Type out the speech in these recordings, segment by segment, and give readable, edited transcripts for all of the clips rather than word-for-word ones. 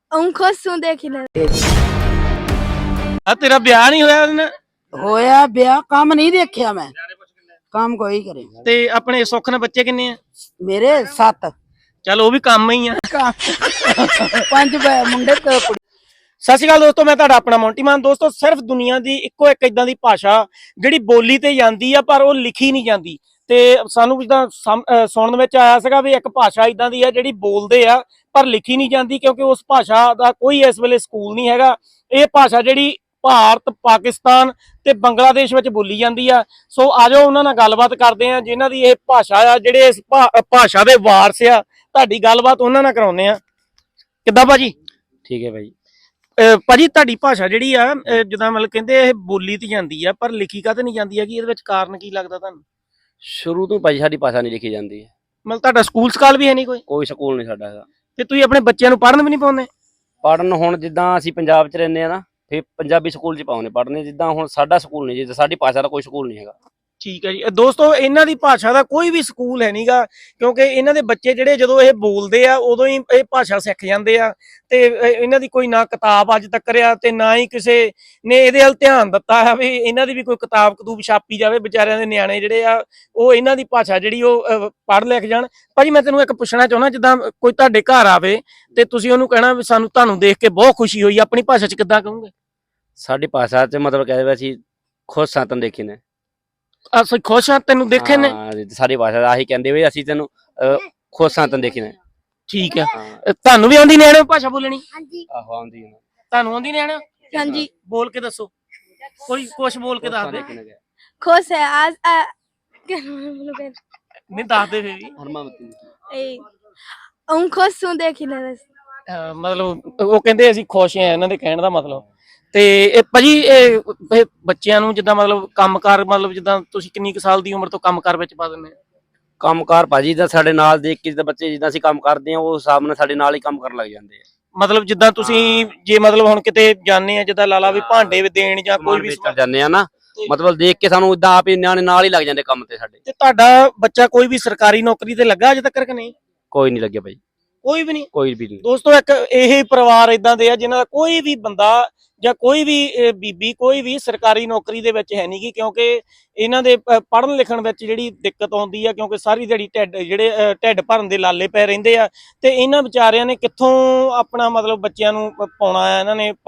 खुश देखने ਆ ਤੇਰਾ ਵਿਆਹ ਨਹੀਂ ਹੋਇਆ ਉਹਦੇ ਨਾਲ ਹੋਇਆ ਵਿਆਹ ਕੰਮ ਨਹੀਂ ਦੇਖਿਆ ਮੈਂ ਕੰਮ ਕੋਈ ਕਰੇ ਤੇ ਆਪਣੇ ਸੁੱਖ ਨਾਲ ਬੱਚੇ ਕਿੰਨੇ ਆ ਮੇਰੇ 7 ਚੱਲ ਉਹ ਵੀ ਕੰਮ ਹੀ ਆ 5 ਮੁੰਡੇ ਤੇ ਕੁੜੀ। ਸਤਿ ਸ਼੍ਰੀ ਅਕਾਲ ਦੋਸਤੋ, ਮੈਂ ਤੁਹਾਡਾ ਆਪਣਾ ਮੌਂਟੀ ਮਾਨ। ਦੋਸਤੋ ਸਿਰਫ ਦੁਨੀਆ ਦੀ ਇੱਕੋ ਇੱਕ ਇਦਾਂ ਦੀ ਭਾਸ਼ਾ ਜਿਹੜੀ ਬੋਲੀ ਤੇ ਜਾਂਦੀ ਆ ਪਰ ਉਹ ਲਿਖੀ ਨਹੀਂ ਜਾਂਦੀ। ਤੇ ਸਾਨੂੰ ਜਿੱਦਾਂ ਸੁਣਨ ਵਿੱਚ ਆਇਆ ਸੀਗਾ ਵੀ ਇੱਕ ਭਾਸ਼ਾ ਇਦਾਂ ਦੀ ਆ ਜਿਹੜੀ ਬੋਲਦੇ ਆ ਪਰ ਲਿਖੀ ਨਹੀਂ ਜਾਂਦੀ, ਕਿਉਂਕਿ ਉਸ ਭਾਸ਼ਾ ਦਾ ਕੋਈ ਇਸ ਵੇਲੇ ਸਕੂਲ ਨਹੀਂ ਹੈਗਾ। ਇਹ ਭਾਸ਼ਾ ਜਿਹੜੀ ਭਾਰਤ, ਪਾਕਿਸਤਾਨ ਤੇ ਬੰਗਲਾਦੇਸ਼ ਵਿੱਚ ਬੋਲੀ ਜਾਂਦੀ ਆ। ਸੋ ਆਜੋ ਉਹਨਾਂ ਨਾਲ ਗੱਲਬਾਤ ਕਰਦੇ ਆ ਜਿਨ੍ਹਾਂ ਦੀ ਇਹ ਭਾਸ਼ਾ ਆ, ਜਿਹੜੇ ਇਸ ਭਾਸ਼ਾ ਦੇ ਵਾਰਸ ਆ। ਤੁਹਾਡੀ ਗੱਲਬਾਤ ਉਹਨਾਂ ਨਾਲ ਕਰਾਉਂਦੇ ਆ। ਕਿੱਦਾਂ ਭਾਜੀ? ਠੀਕ ਹੈ ਭਾਈ। ਭਾਜੀ ਤੁਹਾਡੀ ਭਾਸ਼ਾ ਜਿਹੜੀ ਆ ਜਿੱਦਾਂ ਮਤਲਬ ਕਹਿੰਦੇ ਇਹ ਬੋਲੀ ਤੇ ਜਾਂਦੀ ਆ ਪਰ ਲਿਖੀ ਕਾਹਤੇ ਨਹੀਂ ਜਾਂਦੀ ਹੈਗੀ, ਇਹਦੇ ਵਿੱਚ ਕਾਰਨ ਕੀ ਲੱਗਦਾ ਤੁਹਾਨੂੰ? ਸ਼ੁਰੂ ਤੋਂ ਭਾਈ ਸਾਡੀ ਭਾਸ਼ਾ ਨਹੀਂ ਲਿਖੀ ਜਾਂਦੀ ਹੈ। ਮਤਲਬ ਤੁਹਾਡਾ ਸਕੂਲ ਸਕਾਲ ਵੀ ਹੈ ਨਹੀਂ ਕੋਈ ਸਕੂਲ ਨਹੀਂ ਸਾਡਾ ਹੈਗਾ। ਤੇ ਤੁਸੀਂ ਆਪਣੇ ਬੱਚਿਆਂ ਨੂੰ ਪੜ੍ਹਨ ਵੀ ਨਹੀਂ ਪਾਉਂਦੇ? ਪੜ੍ਹਨ ਹੁਣ ਜਿੱਦਾਂ ਅਸੀਂ ਪੰਜਾਬ 'ਚ ਰਹਿੰਦੇ ਆ ਨਾ, ਫਿਰ ਪੰਜਾਬੀ ਸਕੂਲ 'ਚ ਪਾਉਂਦੇ ਪੜ੍ਹਨੇ। ਜਿੱਦਾਂ ਹੁਣ ਸਾਡਾ ਸਕੂਲ ਨਹੀਂ, ਜਿੱਦਾਂ ਸਾਡੀ ਭਾਸ਼ਾ ਦਾ ਕੋਈ ਸਕੂਲ ਨਹੀਂ ਹੈਗਾ। ਠੀਕ ਹੈ ਜੀ ਦੋਸਤੋ, ਇਹਨਾਂ ਦੀ ਭਾਸ਼ਾ ਦਾ ਕੋਈ ਵੀ ਸਕੂਲ ਹੈ ਨਹੀਂਗਾ, ਕਿਉਂਕਿ ਇਹਨਾਂ ਦੇ ਬੱਚੇ ਜਿਹੜੇ ਜਦੋਂ ਇਹ ਬੋਲਦੇ ਆ ਉਦੋਂ ਹੀ ਇਹ ਭਾਸ਼ਾ ਸਿੱਖ ਜਾਂਦੇ ਆ। ਤੇ ਇਹਨਾਂ ਦੀ ਕੋਈ ਨਾ ਕਿਤਾਬ ਅੱਜ ਤੱਕ ਆ ਤੇ ਨਾ ਹੀ ਕਿਸੇ ਨੇ ਇਹਦੇ ਵੱਲ ਧਿਆਨ ਦਿੱਤਾ ਹੈ ਵੀ ਇਹਨਾਂ ਦੀ ਵੀ ਕੋਈ ਕਿਤਾਬ ਕਤੂਬ ਛਾਪੀ ਜਾਵੇ। ਵਿਚਾਰਿਆਂ ਦੇ ਨਿਆਣੇ ਜਿਹੜੇ ਆ ਉਹ ਇਹਨਾਂ ਦੀ ਭਾਸ਼ਾ ਜਿਹੜੀ ਉਹ ਪੜ੍ਹ ਲਿਖ ਜਾਣ। ਭਾਜੀ ਮੈਂ ਤੈਨੂੰ ਇੱਕ ਪੁੱਛਣਾ ਚਾਹੁੰਦਾ, ਜਿੱਦਾਂ ਕੋਈ ਤੁਹਾਡੇ ਘਰ ਆਵੇ ਤੇ ਤੁਸੀਂ ਉਹਨੂੰ ਕਹਿਣਾ ਵੀ ਤੁਹਾਨੂੰ ਦੇਖ ਕੇ ਬਹੁਤ ਖੁਸ਼ੀ ਹੋਈ, ਆਪਣੀ ਭਾਸ਼ਾ 'ਚ ਕਿੱਦਾਂ ਕਹੋਗੇ? ਸਾਡੀ ਭਾਸ਼ਾ 'ਚ ਮਤਲਬ ਕਹਿੰਦੇ ਅਸੀਂ ਖੁਸ਼ ਸਾਂ ਤੈਨੂੰ ਦੇਖੇ ਨੇ। ਅਸੀਂ ਖੁਸ਼ ਹਾਂ ਤੈਨੂੰ ਦੇਖੇ ਨੇ? ਸਾਡੀ ਭਾਸ਼ਾ ਦਾ ਆਹੀ ਕਹਿੰਦੇ ਵੀ ਅਸੀਂ ਤੈਨੂੰ ਖੁਸ਼ ਹਾਂ ਤੈਨੂੰ ਦੇਖੇ ਨੇ। ਠੀਕ ਹੈ। ਤੁਹਾਨੂੰ ਵੀ ਆਉਂਦੀ ਨਿਆਣੇ ਭਾਸ਼ਾ ਬੋਲਣੀ? ਹਾਂਜੀ। ਆਹੋ ਆਉਂਦੀ ਹੈ। ਤੁਹਾਨੂੰ ਆਉਂਦੀ ਨਿਆਣੇ? ਹਾਂਜੀ। ਬੋਲ ਕੇ ਦੱਸੋ, ਕੋਈ ਕੁਛ ਬੋਲ ਕੇ ਦੱਸ ਦੇ। खुश है आज ਨਹੀਂ ਦੱਸਦੇ ਫੇਰ ਵੀ। खुश देखने ਮਤਲਬ ਉਹ ਕਹਿੰਦੇ ਅਸੀਂ ਖੁਸ਼ ਹਾਂ, ਇਹਨਾਂ ਦੇ ਕਹਿਣ ਦਾ ਮਤਲਬ। ਤੇ ਇਹ ਭਾਜੀ ਇਹ ਬੱਚਿਆਂ ਨੂੰ ਜਿੱਦਾਂ ਮਤਲਬ ਕੰਮਕਾਰ, ਮਤਲਬ ਜਿੱਦਾਂ ਤੁਸੀਂ ਕਿੰਨੀ ਕੁ ਸਾਲ ਦੀ ਉਮਰ ਤੋਂ ਕੰਮਕਾਰ ਵਿੱਚ ਪਾ ਦਿੰਦੇ? ਕੰਮਕਾਰ ਭਾਜੀ ਦਾ ਸਾਡੇ ਨਾਲ ਦੇਖ ਕੇ ਜਿੱਦਾਂ ਬੱਚੇ ਜਿੱਦਾਂ ਅਸੀਂ ਕੰਮ ਕਰਦੇ ਆ, ਉਹ ਹਿਸਾਬ ਨਾਲ ਸਾਡੇ ਨਾਲ ਹੀ ਕੰਮ ਕਰਨ ਲੱਗ ਜਾਂਦੇ ਆ। ਮਤਲਬ ਜਿੱਦਾਂ ਤੁਸੀਂ ਜੇ ਮਤਲਬ ਹੁਣ ਕਿਤੇ ਜਾਂਦੇ ਆ, ਜਿੱਦਾਂ ਲਾਲਾ ਵੀ ਭਾਂਡੇ ਦੇਣ ਜਾਂ ਕੋਈ ਵੀ ਜਾਂਦੇ ਆ ਨਾ, ਮਤਲਬ ਦੇਖ ਕੇ ਸਾਨੂੰ ਇਦਾਂ ਆਪ ਹੀ ਨਿਆਣੇ ਨਾਲ ਹੀ ਲੱਗ ਜਾਂਦੇ ਕੰਮ ਤੇ ਸਾਡੇ। ਤੇ ਤੁਹਾਡਾ ਬੱਚਾ ਕੋਈ ਵੀ ਸਰਕਾਰੀ ਨੌਕਰੀ ਤੇ ਲੱਗਾ ਅਜੇ ਤੱਕ ਕਿ ਨਹੀਂ? ਕੋਈ ਨਹੀਂ ਲੱਗਿਆ ਭਾਈ, ਕੋਈ ਵੀ ਨਹੀਂ। ਕੋਈ ਵੀ ਨਹੀਂ ਦੋਸਤੋ, ਇੱਕ ਇਹ ਪਰਿਵਾਰ ਇਦਾਂ ਦੇ ਆ ਜਿਨ੍ਹਾਂ ਦਾ ਕੋਈ ਵੀ ਬੰਦਾ ਜਾਂ ਕੋਈ ਵੀ ਬੀਬੀ ਕੋਈ ਵੀ ਸਰਕਾਰੀ ਨੌਕਰੀ ਦੇ ਵਿੱਚ ਹੈ ਨਹੀਂ ਗੀ, ਕਿਉਂਕਿ ਇਹਨਾਂ ਦੇ ਪੜ੍ਹਨ ਲਿਖਣ ਵਿੱਚ ਜਿਹੜੀ ਦਿੱਕਤ ਆਉਂਦੀ ਆ, ਕਿਉਂਕਿ ਸਾਰੀ ਦਿਹਾੜੀ ਢਿੱਡ ਭਰਨ ਦੇ ਲਾਲੇ ਪੈ ਰਹਿੰਦੇ ਆ। ਤੇ ਇਹਨਾਂ ਵਿਚਾਰਿਆਂ ਨੇ ਕਿੱਥੋਂ ਆਪਣਾ ਮਤਲਬ ਬੱਚਿਆਂ ਨੂੰ ਪਾਉਣਾ ਆ, ਇਹਨਾਂ ਨੇ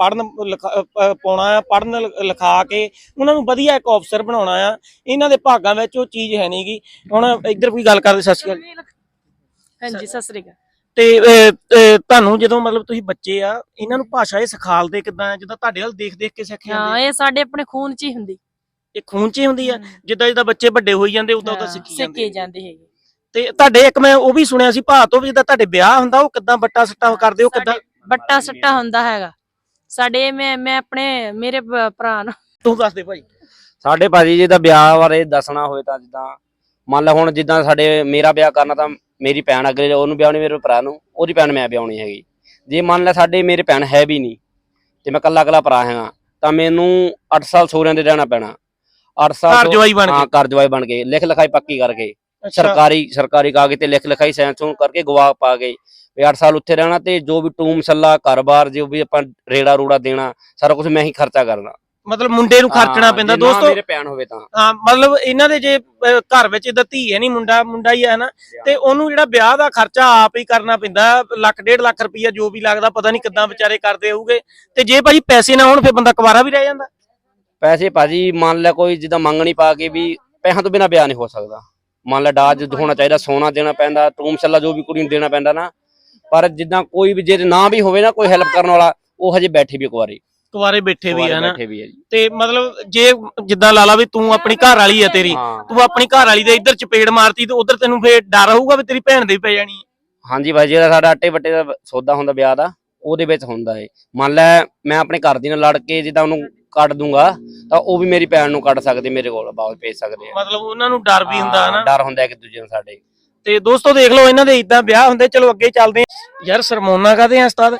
ਪਾਉਣਾ ਆ, ਪੜ੍ਹਨ ਲਿਖਾ ਕੇ ਉਹਨਾਂ ਨੂੰ ਵਧੀਆ ਇੱਕ ਅਫਸਰ ਬਣਾਉਣਾ ਆ। ਇਹਨਾਂ ਦੇ ਭਾਗਾਂ ਵਿੱਚ ਉਹ ਚੀਜ਼ ਹੈ ਨਹੀਂ ਗੀ। ਹੁਣ ਇੱਧਰ ਕੋਈ ਗੱਲ ਕਰਦੇ। ਸਤਿ ਸ਼੍ਰੀ ਅਕਾਲ। ਹਾਂਜੀ ਸਤਿ ਸ਼੍ਰੀ ਅਕਾਲ। ਤੇ ਤੁਹਾਨੂੰ ਜਦੋਂ ਮਤਲਬ ਤੁਸੀਂ ਬੱਚੇ ਆ, ਇਹਨਾਂ ਨੂੰ ਭਾਸ਼ਾ ਇਹ ਸਿਖਾਲਦੇ ਕਿੱਦਾਂ? ਜਿੱਦਾਂ ਤੁਹਾਡੇ ਵੱਲ ਦੇਖ ਦੇਖ ਕੇ ਸਿੱਖਿਆ? ਹਾਂ, ਇਹ ਸਾਡੇ ਆਪਣੇ ਖੂਨ 'ਚ ਹੀ ਹੁੰਦੀ। ਇਹ ਖੂਨ 'ਚ ਹੀ ਹੁੰਦੀ ਆ? ਜਿੱਦਾਂ ਜਿੱਦਾਂ ਬੱਚੇ ਵੱਡੇ ਹੋਈ ਜਾਂਦੇ ਉਦਾਂ ਉਦਾਂ ਸਿੱਖੇ ਜਾਂਦੇ ਹੈਗੇ। ਤੇ ਤੁਹਾਡੇ ਇੱਕ ਮੈਂ ਉਹ ਵੀ ਸੁਣਿਆ ਸੀ ਭਾ ਤੋਂ ਵੀ, ਜਿੱਦਾਂ ਤੁਹਾਡੇ ਵਿਆਹ ਹੁੰਦਾ ਉਹ ਕਿੱਦਾਂ ਬੱਟਾ ਸੱਟਾ ਕਰਦੇ ਹੋ? ਕਿੱਦਾਂ ਬੱਟਾ ਸੱਟਾ ਹੁੰਦਾ ਹੈਗਾ ਸਾਡੇ? ਮੈਂ ਆਪਣੇ ਮੇਰੇ ਭਰਾ ਨੂੰ ਤੂੰ ਦੱਸ ਦੇ ਭਾਈ। ਸਾਡੇ ਭਾਜੀ ਜੀ ਦਾ ਵਿਆਹ ਬਾਰੇ ਦੱਸਣਾ ਹੋਵੇ ਤਾਂ ਜਿੱਦਾਂ ਮੰਨ ਲਾ ਹੁਣ ਜਿੱਦਾਂ ਸਾਡੇ ਮੇਰਾ ਵਿਆਹ ਕਰਨਾ ਤਾਂ ਮੇਰੀ ਭੈਣ ਅੱਗੇ ਉਹਨੂੰ ਵਿਆਹਣੀ, ਮੇਰੇ ਭਰਾ ਨੂੰ ਉਹਦੀ ਭੈਣ ਮੈਂ ਵਿਆਹਣੀ ਹੈਗੀ। ਜੇ ਮੰਨ ਲੈ ਸਾਡੇ ਮੇਰੇ ਭੈਣ ਹੈ ਵੀ ਨਹੀਂ ਤੇ ਮੈਂ ਕੱਲਾ ਭਰਾ ਹੈਗਾ ਤਾਂ ਮੈਨੂੰ 8 ਸਾਲ ਸਹੁਰਿਆਂ ਦੇ ਰਹਿਣਾ ਪੈਣਾ। 8 ਸਾਲ ਘਰ ਜਵਾਈ ਬਣ ਕੇ? ਹਾਂ, ਘਰ ਜਵਾਈ ਬਣ ਕੇ, ਲਿਖ ਲਿਖਾਈ ਪੱਕੀ ਕਰਕੇ, ਸਰਕਾਰੀ ਕਾਗਜ਼ ਤੇ ਲਿਖ ਲਿਖਾਈ ਸਾਈਨ ਸੂਨ ਕਰਕੇ ਗਵਾਹ ਪਾ ਕੇ ਵੀ 8 ਸਾਲ ਉੱਥੇ ਰਹਿਣਾ। ਤੇ ਜੋ ਵੀ ਟੂਮ ਮਸੱਲਾ ਘਰ-ਬਾਰ ਜੋ ਵੀ ਆਪਾਂ ਰੇੜਾ ਰੂੜਾ ਦੇਣਾ ਸਾਰਾ ਕੁਝ ਮੈਂ ਹੀ ਖਰਚਾ ਕਰਨਾ। ਮਤਲਬ ਮੁੰਡੇ ਨੂੰ ਖਰਚਣਾ ਪੈਂਦਾ ਦੋਸਤੋ? ਮੇਰੇ ਭੈਣ ਹੋਵੇ ਤਾਂ ਹਾਂ, ਮਤਲਬ ਇਹਨਾਂ ਦੇ ਜੇ ਘਰ ਵਿੱਚ ਇਹਦਾ ਧੀ ਹੈ ਨਹੀਂ, ਮੁੰਡਾ ਹੀ ਹੈ ਨਾ, ਤੇ ਉਹਨੂੰ ਜਿਹੜਾ ਵਿਆਹ ਦਾ ਖਰਚਾ ਆਪ ਹੀ ਕਰਨਾ ਪੈਂਦਾ। ਲੱਖ 1.5 ਲੱਖ ਰੁਪਈਆ ਜੋ ਵੀ ਲੱਗਦਾ, ਪਤਾ ਨਹੀਂ ਕਿੱਦਾਂ ਵਿਚਾਰੇ ਕਰਦੇ ਹੋਊਗੇ। ਤੇ ਜੇ ਭਾਜੀ ਪੈਸੇ ਨਾ ਹੋਣ ਫਿਰ ਬੰਦਾ ਕੁਵਾਰਾ ਵੀ ਰਹਿ ਜਾਂਦਾ? ਪੈਸੇ ਭਾਜੀ ਮੰਨ ਲੈ ਕੋਈ ਜਿੱਦਾਂ ਮੰਗਣੀ ਪਾ ਕੇ ਵੀ ਪੈਸਿਆਂ ਤੋਂ ਬਿਨਾਂ ਵਿਆਹ ਨਹੀਂ ਹੋ ਸਕਦਾ। ਮੰਨ ਲੈ ਦਾਜ ਹੋਣਾ ਚਾਹੀਦਾ, ਸੋਨਾ ਦੇਣਾ ਪੈਂਦਾ, ਟੂਮ ਮਸੱਲਾ ਜੋ ਵੀ ਕੁੜੀ ਨੂੰ ਦੇਣਾ ਪੈਂਦਾ ਨਾ। ਪਰ ਜਿੱਦਾਂ ਕੋਈ ਵੀ ਜੇ ਨਾ ਵੀ ਹੋਵੇ ਨਾ ਕੋਈ ਹੈਲਪ ਕਰਨ ਵਾਲਾ, ਉਹ ਹਜੇ ਬੈਠੇ ਵੀ ਕੁਵਾਰੇ ਬੈਠੇ ਵੀ ਆ ਨਾ। ਬੈਠੇ ਵੀ ਆ ਜੀ। ਤੇ ਮਤਲਬ ਜੇ ਜਿੱਦਾਂ ਲਾ ਲਾ ਵੀ ਤੂੰ ਆਪਣੀ ਘਰ ਵਾਲੀ ਆ, ਤੇਰੀ ਤੂੰ ਆਪਣੀ ਘਰ ਵਾਲੀ ਦੇ ਇੱਧਰ ਚਪੇੜ ਮਾਰਤੀ ਤੇ ਉਧਰ ਤੈਨੂੰ ਫੇਰ ਡਰ ਹੋਊਗਾ ਵੀ ਤੇਰੀ ਭੈਣ ਦੇ ਵੀ ਪੈ ਜਾਣੀ ਹੈ? ਹਾਂਜੀ ਭਾਈ, ਜਿਹੜਾ ਸਾਡਾ ਆਟੇ ਵੱਟੇ ਦਾ ਸੌਦਾ ਹੁੰਦਾ ਵਿਆਹ ਦਾ, ਉਹਦੇ ਵਿੱਚ ਹੁੰਦਾ ਹੈ। ਮੰਨ ਲੈ ਮੈਂ ਆਪਣੇ ਘਰ ਦੀ ਨਾਲ ਲੜ ਕੇ ਜਿੱਦਾਂ ਉਹਨੂੰ ਕੱਢ ਦੂੰਗਾ ਤਾਂ ਉਹ ਵੀ ਮੇਰੀ ਭੈਣ ਨੂੰ ਕੱਢ ਸਕਦੇ, ਮੇਰੇ ਕੋਲ ਵਾਪਸ ਭੇਜ ਸਕਦੇ ਆ। ਮਤਲਬ ਉਹਨਾਂ ਨੂੰ ਡਰ ਵੀ ਹੁੰਦਾ ਹੈ ਨਾ? ਡਰ ਹੁੰਦਾ ਇੱਕ ਦੂਜੇ ਨੂੰ ਸਾਡੇ। ਤੇ ਦੋਸਤੋ ਦੇਖ ਲਓ ਇਹਨਾਂ ਦੇ ਇਦਾਂ ਵਿਆਹ ਹੁੰਦੇ। ਚਲੋ ਅੱਗੇ ਚੱਲਦੇ ਆ। ਯਾਰ ਸਰਮੋਨਾ ਕਾਹਦੇ ਆ ਉਸਤਾਦ?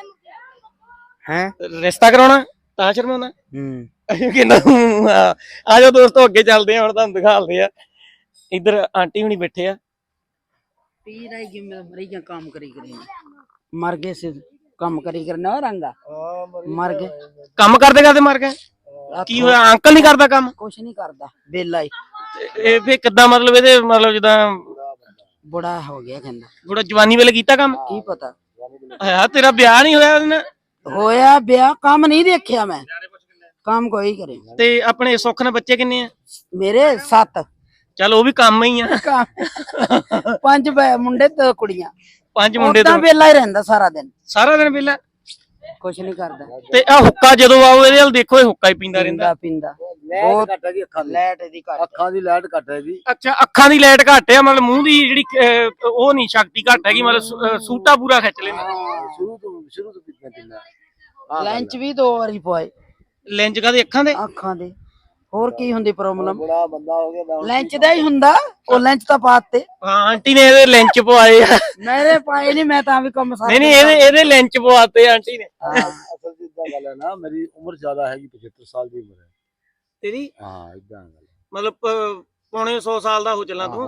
ਹੈ ਰਿਸ਼ਤਾ ਕਰਾਉਣਾ ਤਾਂ ਸ਼ਰਮਾਉਣਾ? ਕਿੰਨਾ ਆ ਜਾਓ ਦੋਸਤੋ ਅੱਗੇ ਚੱਲਦੇ ਆ, ਹੁਣ ਤੁਹਾਨੂੰ ਦਿਖਾਉਂਦੇ ਆ। ਇੱਧਰ ਆਂਟੀ ਹੁਣੀ ਬੈਠੇ ਆ। ਪੀ ਰਹੀ ਕਿ ਮਰੀਜ਼ਾਂ ਕੰਮ ਕਰੀ ਮਰ ਗਏ ਸੀ ਕੰਮ ਕਰੀ ਕਰਨਾ ਰੰਗਾ ਮਰ ਗਏ ਕੰਮ ਕਰਦੇ ਕਰਦੇ ਮਰ ਗਏ? ਕੀ ਹੋਇਆ, ਅੰਕਲ ਨਹੀਂ ਕਰਦਾ ਕੰਮ? ਕੁਛ ਨਹੀਂ ਕਰਦਾ ਬੇਲਾ ਹੀ ਇਹ ਫੇ ਕਿੱਦਾਂ, ਮਤਲਬ ਇਹਦੇ ਮਤਲਬ ਜਿੱਦਾਂ ਬੁੜਾ ਹੋ ਗਿਆ ਕਹਿੰਦਾ। ਥੋੜਾ ਜਵਾਨੀ ਵੇਲੇ ਕੀਤਾ ਕੰਮ? ਕੀ ਪਤਾ ਆਇਆ ਤੇਰਾ ਵਿਆਹ ਨਹੀਂ ਹੋਇਆ ਉਹਦੇ ਨਾਲ? ਹੋਇਆ ਵਿਆਹ, ਕੰਮ ਨਹੀਂ ਦੇਖਿਆ ਮੈਂ, ਕੰਮ ਕੋਈ ਕਰੇ। ਤੇ ਆਪਣੇ ਸੁੱਖ ਨਾਲ ਬੱਚੇ ਕਿੰਨੇ ਆ? ਮੇਰੇ 7 ਚੱਲ ਉਹ ਵੀ ਕੰਮ ਹੀ ਆ। 5 ਮੁੰਡੇ 2 ਕੁੜੀਆਂ। 5 ਮੁੰਡੇ ਤਾਂ ਤੋਂ ਵੇਲਾ ਹੀ ਰਹਿੰਦਾ ਸਾਰਾ ਦਿਨ, ਸਾਰਾ ਦਿਨ ਵਿਹਲਾ? ਕੁਛ ਨਹੀਂ ਕਰਦਾ। ਤੇ ਆ ਹੁੱਕਾ ਜਦੋਂ ਆਓ ਇਹਦੇ ਵੱਲ ਦੇਖੋ, ਇਹ ਹੁੱਕਾ ਹੀ ਪੀਂਦਾ ਰਹਿੰਦਾ। ਪੀਂਦਾ ਬਹੁਤ ਘੱਟ ਹੈ ਜੀ, ਲੈਟ ਇਹਦੀ ਘੱਟ, ਅੱਖਾਂ ਦੀ ਲਾਈਟ ਘੱਟ ਹੈ ਜੀ। ਅੱਛਾ, ਅੱਖਾਂ ਦੀ ਲਾਈਟ ਘੱਟ ਆ, ਮਤਲਬ ਮੂੰਹ ਦੀ ਜਿਹੜੀ ਉਹ ਨਹੀਂ ਸ਼ਕਤੀ ਘੱਟ ਹੈਗੀ, ਮਤਲਬ ਸੂਟਾ ਪੂਰਾ ਖਿੱਚ ਲੈਂਦਾ। ਸ਼ੁਰੂ ਤੋਂ ਪੀਂਦਾ ਪੀਂਦਾ। ਲੈਂਚ ਵੀ 2 ਵਾਰੀ ਪਵਾਏ। ਲੈਂਜ ਕਾਦੇ? ਅੱਖਾਂ ਦੇ? ਅੱਖਾਂ ਦੇ। ਹੋਰ ਕੀ ਹੁੰਦੀ ਪ੍ਰੋਬਲਮ? ਬੜਾ ਬੰਦਾ ਹੋ ਗਿਆ ਮੈਂ। ਲੈਂਚ ਦਾ ਹੀ ਹੁੰਦਾ, ਉਹ ਲੈਂਚ ਤਾਂ ਪਾਤੇ ਹਾਂ, ਆਂਟੀ ਨੇ ਇਹਦੇ ਲੈਂਚ ਪਵਾਏ ਆ। ਮੇਰੇ ਪਾਏ ਨਹੀਂ, ਮੈਂ ਤਾਂ ਵੀ ਕੰਮ ਸਾਰਾ ਨਹੀਂ ਇਹਦੇ ਲੈਂਚ ਪਵਾਤੇ ਆਂਟੀ ਨੇ। ਅਸਲ ਚ ਇਦਾਂ ਗੱਲ ਹੈ ਨਾ, ਮੇਰੀ ਉਮਰ ਜ਼ਿਆਦਾ ਹੈਗੀ, 75 ਸਾਲ ਦੀ ਉਮਰ ਹੈ ਤੇਰੀ? ਹਾਂ ਇਦਾਂ ਗੱਲ ਮਤਲਬ ਪੌਣੇ 100 ਸਾਲ ਦਾ ਹੋ ਚੱਲਾਂ ਤੂੰ।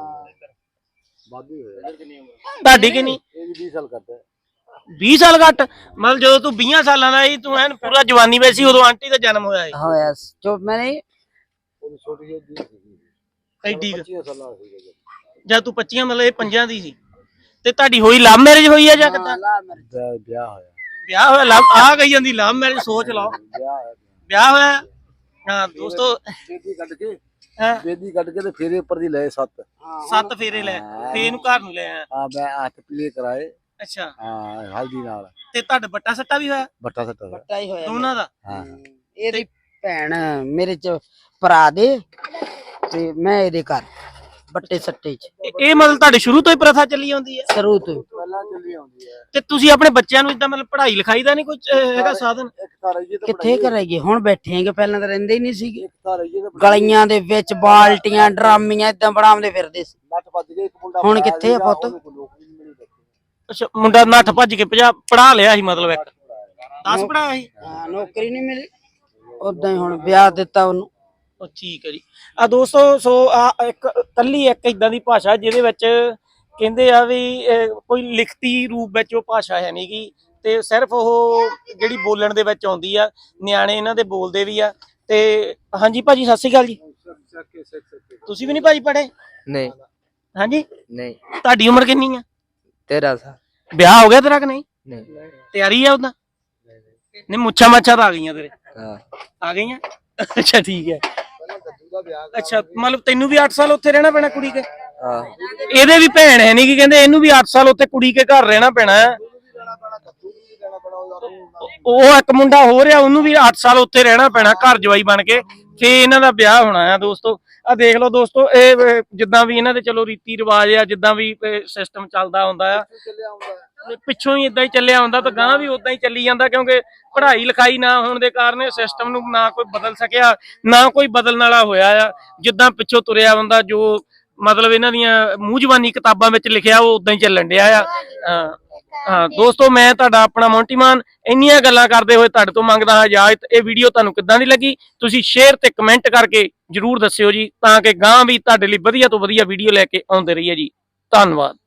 ਬਾਦੀ ਹੋਇਆ। ਤੁਹਾਡੀ ਕਿੰਨੀ? ਇਹ 20 ਸਾਲ ਕਰਦਾ 20 ਸਾਲ ਘੱਟ? ਮਤਲਬ ਜਦੋਂ ਤੂੰ 20 ਸਾਲਾਂ ਦਾ ਸੀ, ਤੂੰ ਐਨ ਪੂਰਾ ਜਵਾਨੀ ਵਿੱਚ ਸੀ, ਉਦੋਂ ਆਂਟੀ ਦਾ ਜਨਮ ਹੋਇਆ ਸੀ। ਹੋਇਆ ਜੋ ਮੈਨੇ ਉਹ ਛੋਟੀ ਜਿਹੀ ਸੀ ਐਡੀ ਕੁ। 25 ਸਾਲਾਂ ਦਾ ਸੀ ਜਦ ਤੂੰ 25 ਮਤਲਬ ਇਹ 5 ਦੀ ਸੀ। ਤੇ ਤੁਹਾਡੀ ਹੋਈ ਲਵ ਮੈਰਿਜ ਹੋਈ ਆ ਜਾਂ ਕਿੱਦਾਂ? ਜਦ ਵਿਆਹ ਹੋਇਆ। ਵਿਆਹ ਹੋਇਆ? ਲਵ ਆ ਗਈ ਜਾਂਦੀ ਲਵ ਮੈਰਿਜ, ਸੋਚ ਲਓ। ਵਿਆਹ ਹੋਇਆ। ਵਿਆਹ ਹੋਇਆ? ਹਾਂ ਦੋਸਤੋ, ਬੇਦੀ ਕੱਢ ਕੇ ਹਾਂ, ਬੇਦੀ ਕੱਢ ਕੇ ਤੇ ਫੇਰੇ ਉੱਪਰ ਦੀ ਲਏ 7। 7 ਫੇਰੇ ਲੈ, ਫੇਰ ਇਹਨੂੰ ਘਰ ਨੂੰ ਲੈ ਆਇਆ। ਹਾਂ ਮੈਂ ਹੱਥ ਪੀਲੇ ਕਰਾਏ। ਅੱਛਾ, ਹਾਂ ਹਲਦੀ ਨਾਲ ਤੇ ਤੁਹਾਡਾ ਬੱਟਾ ਸੱਟਾ ਵੀ ਹੋਇਆ? ਬੱਟਾ ਸੱਟਾ ਦਾ। ਬੱਟਾ ਹੀ ਹੋਇਆ ਦੋਨਾਂ ਦਾ? ਹਾਂ ਇਹਦੀ ਭੈਣ ਮੇਰੇ ਚ ਭਰਾ ਦੇ, ਤੇ ਮੈਂ ਇਹਦੇ ਘਰ ਬੱਟੇ ਸੱਟੇ ਚ ਇਹ ਮਤਲਬ ਤੁਹਾਡੇ ਸ਼ੁਰੂ ਤੋਂ ਹੀ ਪ੍ਰਥਾ ਚੱਲੀ ਆਉਂਦੀ ਹੈ? ਸ਼ੁਰੂ ਤੋਂ। ਪਹਿਲਾਂ ਚੱਲੀ ਆਉਂਦੀ ਹੈ। ਤੇ ਤੁਸੀਂ ਆਪਣੇ ਬੱਚਿਆਂ ਨੂੰ ਇਦਾਂ ਮਤਲਬ ਪੜ੍ਹਾਈ ਲਿਖਾਈ ਦਾ ਨਹੀਂ ਕੁਝ ਹੈਗਾ ਸਾਧਨ? ਇੱਕ ਤਾਂ ਰਹੀਏ ਤੇ ਕਿੱਥੇ ਕਰਾਈਏ, ਹੁਣ ਬੈਠੇ ਆਂਗੇ, ਪਹਿਲਾਂ ਤਾਂ ਰਹਿੰਦੇ ਹੀ ਨਹੀਂ ਸੀਗੇ। ਇੱਕ ਤਾਂ ਰਹੀਏ ਤੇ ਗਲੀਆਂ ਦੇ ਵਿੱਚ ਬਾਲਟੀਆਂ ਡਰਾਮੀਆਂ ਇਦਾਂ ਬਣਾਉਂਦੇ ਫਿਰਦੇ ਸੀ। ਨੱਠ ਭੱਜ ਕੇ ਇੱਕ ਮੁੰਡਾ ਹੁਣ ਪੜ੍ਹਾਇਆ ਕਿੱਥੇ ਆ ਸੀਗਾ, ਪੁੱਤ? ਉਹਨੂੰ ਕੋਈ ਨੌਕਰੀ ਨਹੀਂ ਮਿਲੀ ਦੇਖੀ। ਅੱਛਾ, ਮੁੰਡਾ ਨੱਠ ਭੱਜ ਕੇ ਪੜ੍ਹਾ ਲਿਆ ਸੀ, ਮਤਲਬ ਇੱਕ 10 ਪੜ੍ਹਾਇਆ ਸੀ? ਹਾਂ, ਨੌਕਰੀ ਨਹੀਂ ਮਿਲੀ, ਉਦਾਂ ਹੀ ਹੁਣ ਵਿਆਹ ਦਿੱਤਾ ਉਹਨੂੰ। ਉਹ ਠੀਕ ਹੈ ਜੀ। ਆ ਦੋਸਤੋ, ਸੋ ਆ ਇੱਕ ਇੱਕ ਇਦਾਂ ਦੀ ਭਾਸ਼ਾ ਜਿਹਦੇ ਵਿੱਚ ਕਹਿੰਦੇ ਆ ਵੀ ਕੋਈ ਲਿਖਤੀ ਰੂਪ ਵਿੱਚ ਉਹ ਭਾਸ਼ਾ ਹੈ ਨਹੀਂ ਗੀ, ਤੇ ਸਿਰਫ ਉਹ ਜਿਹੜੀ ਬੋਲਣ ਦੇ ਵਿੱਚ ਆਉਂਦੀ ਆ। ਨਿਆਣੇ ਇਹਨਾਂ ਦੇ ਬੋਲਦੇ ਵੀ ਆ। ਤੇ ਹਾਂਜੀ ਭਾਜੀ, ਸਤਿ ਸ਼੍ਰੀ ਅਕਾਲ ਜੀ। ਤੁਸੀਂ ਵੀ ਨਹੀਂ ਭਾਜੀ ਪੜ੍ਹੇ? ਨਹੀਂ ਹਾਂਜੀ, ਨਹੀਂ ਤੁਹਾਡੀ ਉਮਰ ਕਿੰਨੀ ਆ? 13 ਸਾਲ ਵਿਆਹ ਹੋ ਗਿਆ ਤੇਰਾ ਕਿ ਨਹੀਂ? ਨਹੀਂ ਤਿਆਰੀ ਆ ਉਹਦਾ? ਨਹੀਂ, ਮੁੱਛਾਂ ਮਾਛਾਂ ਤਾਂ ਆ ਗਈਆਂ ਤੇਰੇ? ਹਾਂ ਆ ਗਈਆਂ? ਅੱਛਾ ਠੀਕ ਹੈ। ਅੱਛਾ, ਮਤਲਬ ਤੈਨੂੰ ਵੀ 8 ਸਾਲ ਉੱਥੇ ਰਹਿਣਾ ਪੈਣਾ ਕੁੜੀ ਕੇ? ਹਾਂ ਇਹਦੇ ਵੀ ਭੈਣ ਹੈ ਨਹੀਂ ਕਿ ਕਹਿੰਦੇ ਇਹਨੂੰ ਵੀ 8 ਸਾਲ ਉੱਥੇ ਕੁੜੀ ਕੇ ਘਰ ਰਹਿਣਾ ਪੈਣਾ ਹੈ। ਉਹ ਇੱਕ ਮੁੰਡਾ ਹੋ ਰਿਹਾ, ਉਹਨੂੰ ਵੀ 8 ਸਾਲ ਉੱਥੇ ਰਹਿਣਾ ਪੈਣਾ ਘਰ ਜਵਾਈ ਬਣ ਕੇ, ਫੇ ਇਹਨਾਂ ਦਾ ਵਿਆਹ ਹੋਣਾ ਆ। ਦੋਸਤੋ ਆ ਦੇਖ ਲਓ ਦੋਸਤੋ, ਇਹ ਜਿੱਦਾਂ ਵੀ ਇਹਨਾਂ ਦੇ ਚਲੋ ਰੀਤੀ ਰਿਵਾਜ ਆ, ਜਿੱਦਾਂ ਵੀ ਸਿਸਟਮ ਚੱਲਦਾ ਹੁੰਦਾ ਆ, ਪਿੱਛੋਂ ਹੀ ਇਦਾਂ ਹੀ ਚੱਲਿਆ ਹੁੰਦਾ, ਤਾਂ ਗਾਂ ਵੀ ਉਦਾਂ ਹੀ ਚੱਲੀ ਜਾਂਦਾ, ਕਿਉਂਕਿ ਪੜ੍ਹਾਈ ਲਿਖਾਈ ਨਾ ਹੋਣ ਦੇ ਕਾਰਨ ਸਿਸਟਮ ਨੂੰ ਨਾ ਕੋਈ ਬਦਲ ਸਕਿਆ, ਨਾ ਕੋਈ ਬਦਲਣ ਵਾਲਾ ਹੋਇਆ ਆ। ਜਿੱਦਾਂ ਪਿੱਛੋਂ ਤੁਰਿਆ ਹੁੰਦਾ, ਜੋ ਮਤਲਬ ਇਹਨਾਂ ਦੀਆਂ ਮੂੰਹ ਜ਼ਬਾਨੀ ਕਿਤਾਬਾਂ ਵਿੱਚ ਲਿਖਿਆ, ਉਹ ਉਦਾਂ ਹੀ ਚੱਲਣ ਡਿਆ ਆ। ਹਾਂ ਦੋਸਤੋ, ਮੈਂ ਤੁਹਾਡਾ ਆਪਣਾ ਮੌਂਟੀ ਮਾਨ ਇੰਨੀਆਂ ਗੱਲਾਂ ਕਰਦੇ ਹੋਏ ਤੁਹਾਡੇ ਤੋਂ ਮੰਗਦਾ ਹਾਂ ਇਜਾਜ਼ਤ। ਇਹ ਵੀਡੀਓ ਤੁਹਾਨੂੰ ਕਿੱਦਾਂ ਦੀ ਲੱਗੀ, ਤੁਸੀਂ ਸ਼ੇਅਰ ਤੇ ਕਮੈਂਟ ਕਰਕੇ ਜਰੂਰ ਦੱਸਿਓ ਜੀ, ਤਾਂ ਕਿ ਗਾਂ ਵੀ ਤੁਹਾਡੇ ਲਈ ਵਧੀਆ ਤੋਂ ਵਧੀਆ ਵੀਡੀਓ ਲੈ ਕੇ ਆਉਂਦੇ ਰਹੀਏ ਜੀ। ਧੰਨਵਾਦ।